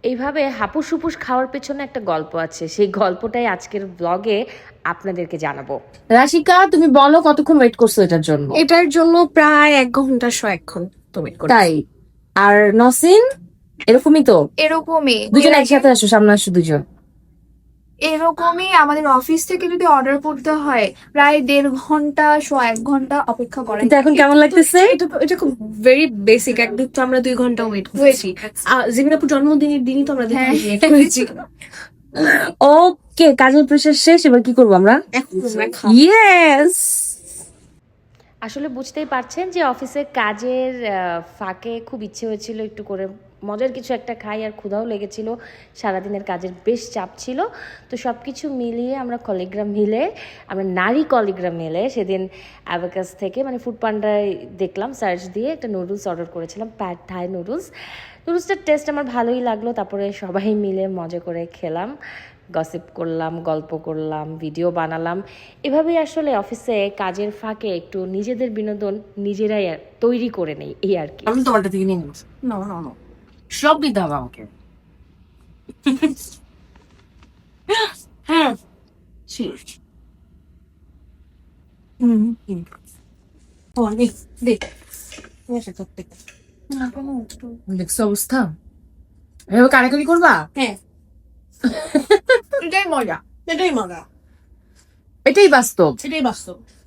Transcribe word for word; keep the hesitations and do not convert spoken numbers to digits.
এইভাবে হাপুস হুপুস খাওয়ার পেছনে একটা গল্প আছে, সেই গল্পটাই আজকের ব্লগে আপনাদেরকে জানাবো। রাশিকা, তুমি বলো কতক্ষণ ওয়েট করছো এটার জন্য? এটার জন্য প্রায় এক ঘন্টা শো এক্ষণ তো ওয়েট করি। তাই? আর নসিন এরকমই তো? এরকমই দুজন একসাথে আসো, সামনে আসো দুজন। এরকমই আমাদের অফিস থেকে যদি অর্ডার করতে হয় প্রায় দেড় ঘন্টা শো এক ঘন্টা অপেক্ষা করা। কিন্তু এখন কেমন লাগতেছে? এটা এটা খুব ভেরি বেসিক। একদম তো আমরা দুই ঘন্টা ওয়েট করেছি। জিমিনাপুর জন্মদিনের দিনই তো আমরা দুই ঘন্টা ওয়েট করেছি। ওকে, কাজের প্রেশার শেষ, এবার কি করবো আমরা? এখন আমরা খাবো। ইয়েস। আসলে বুঝতেই পারছেন যে অফিসের কাজের আহ, ফাঁকে খুব ইচ্ছে হয়েছিল একটু করে মজার কিছু একটা খাই, আর ক্ষুধাও লেগেছিল, সারাদিনের কাজের বেশ চাপ ছিল। তো সব কিছু মিলিয়ে আমরা কলিগ্রাম মিলে, আমরা নারী কলিগ্রাম মিলে সেদিন অ্যাবাকাস থেকে মানে ফুড পান্ডায় দেখলাম, সার্চ দিয়ে একটা নুডলস অর্ডার করেছিলাম, প্যাড থাই নুডলস। নুডলসটার টেস্ট আমার ভালোই লাগলো। তারপরে সবাই মিলে মজা করে খেলাম, গসিপ করলাম, গল্প করলাম, ভিডিও বানালাম। এভাবেই আসলে অফিসে কাজের ফাঁকে একটু নিজেদের বিনোদন নিজেরাই আর তৈরি করে নেই, এই আর কি। আমি তোমারটা থেকে নিয়ে নিচ্ছি। না না না সব দিতে হবে আমাকে। হ্যাঁ হুম অনেক দেখ দেখছো অবস্থা? এভাবে কারাকারি করবা? হ্যাঁ এটাই মজা, এটাই মজা, এটাই বাস্তব। এটাই বাস্তব।